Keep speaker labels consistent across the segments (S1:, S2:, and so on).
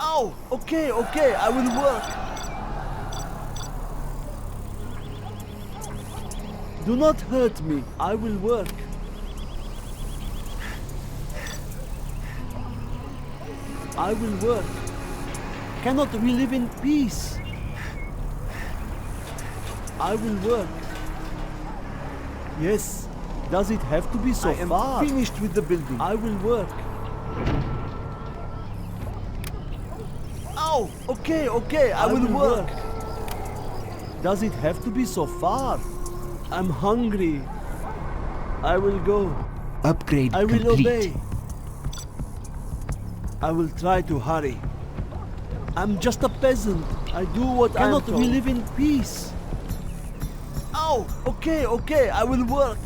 S1: Ow! Okay, okay, I will work. Do not hurt me. I will work. I will work. Cannot we live in peace? I will work. Yes. Does it have to be so far? I am finished with the building. I will work. Ow! Okay, okay, I will work. Does it have to be so far? I'm hungry. I will go.
S2: Upgrade
S1: I will
S2: complete.
S1: obey. I will try to hurry. I'm just a peasant. I do what I am told. Cannot we live in peace? Ow! Okay, okay, I will work.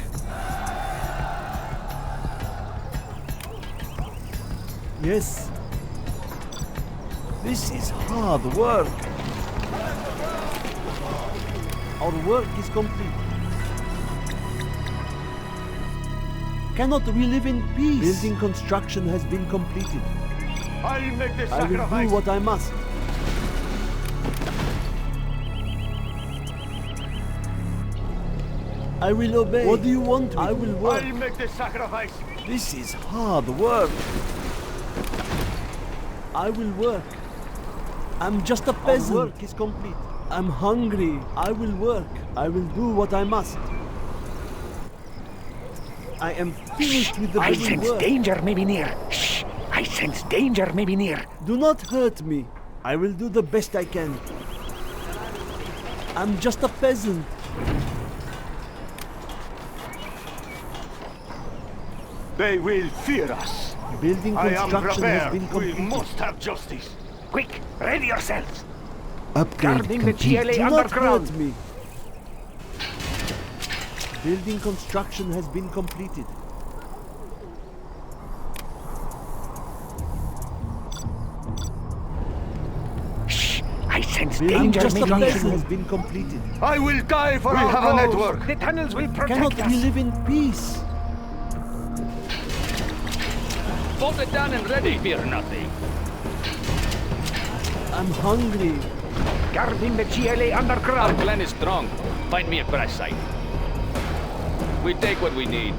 S1: Yes. This is hard work. Our work is complete. Cannot we live in peace? Building construction has been completed.
S3: I'll make the
S1: I
S3: sacrifice.
S1: will do what I must. I will obey. What do you want? I will work.
S3: I'll make the sacrifice.
S1: This is hard work. I will work. I'm just a peasant. Our work is complete. I'm hungry. I will work. I will do what I must. I am finished with the
S2: I
S1: building
S2: sense
S1: work.
S2: danger may be near. Shh! I sense danger may be near.
S1: Do not hurt me. I will do the best I can. I'm just a peasant.
S3: They will fear us.
S1: Building
S3: I am
S1: construction has
S3: prepared.
S1: been
S3: We
S1: completed.
S3: must have justice.
S2: Quick, ready yourselves.
S4: Upgrade
S2: Guarding the
S4: complete.
S2: GLA
S1: Do not
S2: underground.
S1: hurt me. Building construction has been completed.
S2: Shh! I sense
S1: Building
S2: danger
S1: just
S2: may
S1: a
S2: be near.
S1: peasant has been completed.
S3: I will die for
S2: We
S3: our
S2: have a
S3: cause.
S2: network. The tunnels will protect
S1: Cannot
S2: us.
S1: we live in peace?
S5: Bolted down and ready, fear nothing.
S1: I'm hungry.
S2: Guarding the GLA
S5: Our
S2: underground.
S5: clan is strong. Find me a crash site. We take what we need.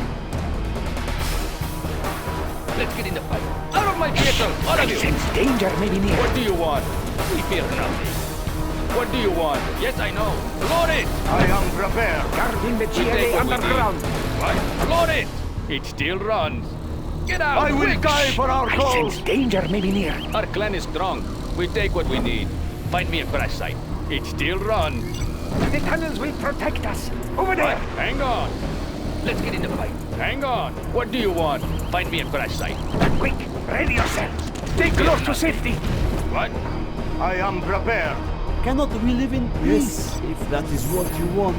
S5: Let's get in the fight. Out of my vehicle! All
S2: I
S5: of you!
S2: sense danger may be near.
S5: What do you want? We fear nothing. What do you want? Yes, I know. Load it!
S3: I am prepared.
S2: Guarding the
S5: We take
S2: GLA
S5: what we
S2: underground.
S5: need. What? Load it! It still runs. Get out!
S3: I will
S5: quick!
S3: die for our
S2: I
S3: cause.
S2: sense danger may be near.
S5: Our clan is strong. We take what we need. Find me a crash site. It still runs.
S2: The tunnels will protect us. Over there.
S5: Hang on. Let's get in the fight. Hang on. What do you want? Find me a crash site.
S2: Quick, ready yourselves. Stay close to safety.
S5: What?
S3: I am prepared.
S1: Cannot we live in peace? Yes, if that is what you want.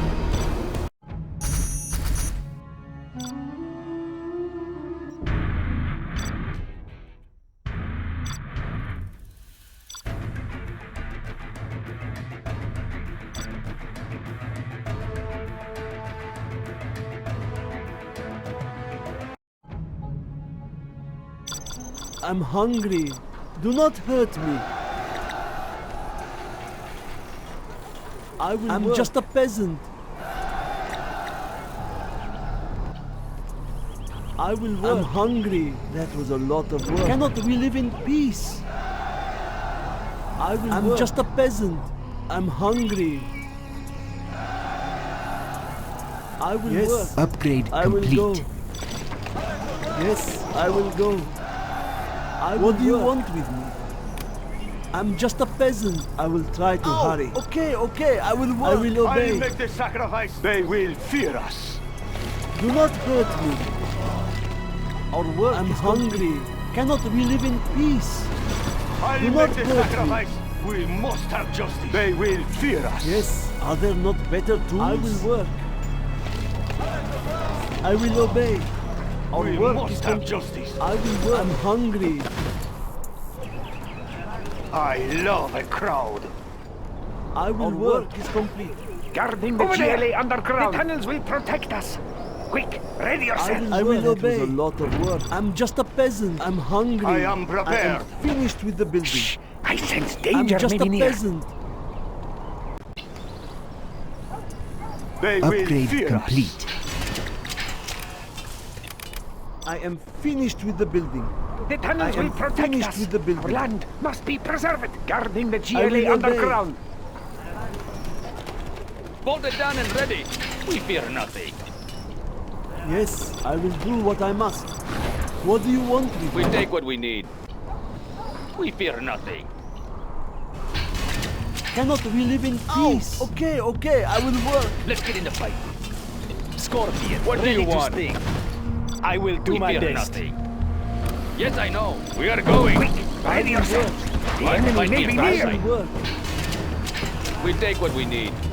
S1: I'm hungry. Do not hurt me. I'm
S4: work.
S1: just a peasant. I will work. I'm hungry. That was a lot of work. Cannot we live in peace? I'm
S4: work.
S1: just a peasant. I'm hungry. I will
S4: Yes.
S1: work.
S4: Upgrade
S1: I will
S4: complete.
S1: go. Yes, I will go. What do you want with me? I'm just a peasant. I will try to hurry. Okay, okay, I will work. I will
S3: I'll
S1: obey.
S3: make the sacrifice. They will fear us.
S1: Do not hurt me. Our work I'm hungry. Cannot we live in peace?
S3: I'll
S1: Do
S3: make
S1: not
S3: the
S1: hurt me.
S3: sacrifice. We must have justice. They will fear us.
S1: Yes, are there not better tools? I will work. I will obey. Our
S3: We
S1: work
S3: must
S1: is
S3: have
S1: complete.
S3: justice.
S1: I will work. I'm hungry.
S3: I love a crowd.
S1: I will
S4: Our
S1: work.
S4: work
S1: is complete.
S2: Guarding the
S3: Over
S2: GLA
S3: there.
S2: underground. The tunnels will protect us. Quick, ready yourself.
S1: I will obey.
S4: That was a lot of work.
S1: I'm just a peasant. I'm hungry.
S3: I am
S1: I
S3: prepared.
S1: am finished with the building.
S2: Shh, I sense
S1: I'm
S2: danger
S1: just
S2: maybe
S1: a
S2: near.
S1: peasant.
S3: They will
S4: Upgrade
S3: fear
S4: complete.
S1: I am finished with the building.
S2: The tunnels
S1: I am
S2: will protect
S1: finished
S2: us.
S1: with the building.
S2: Our land must be preserved, guarding the
S1: I will
S2: GLA
S1: obey.
S2: underground.
S5: Bolted down and ready. We fear nothing.
S1: Yes, I will do what I must. What do you want with
S5: We
S1: me?
S5: take what we need. We fear nothing.
S1: Cannot we live in peace? Okay, okay, I will work.
S5: Let's get in the fight.
S2: Scorpion,
S5: What do
S2: ready
S5: you
S2: to
S5: want?
S2: sting. I will do
S5: We
S2: my
S5: fear
S2: best.
S5: nothing. Yes, I know. We are going.
S2: Quick, ready yourself. The
S5: Find
S2: enemy
S5: me
S2: may
S5: a
S2: be
S5: fire
S2: near.
S5: site.
S1: Work.
S5: We take what we need.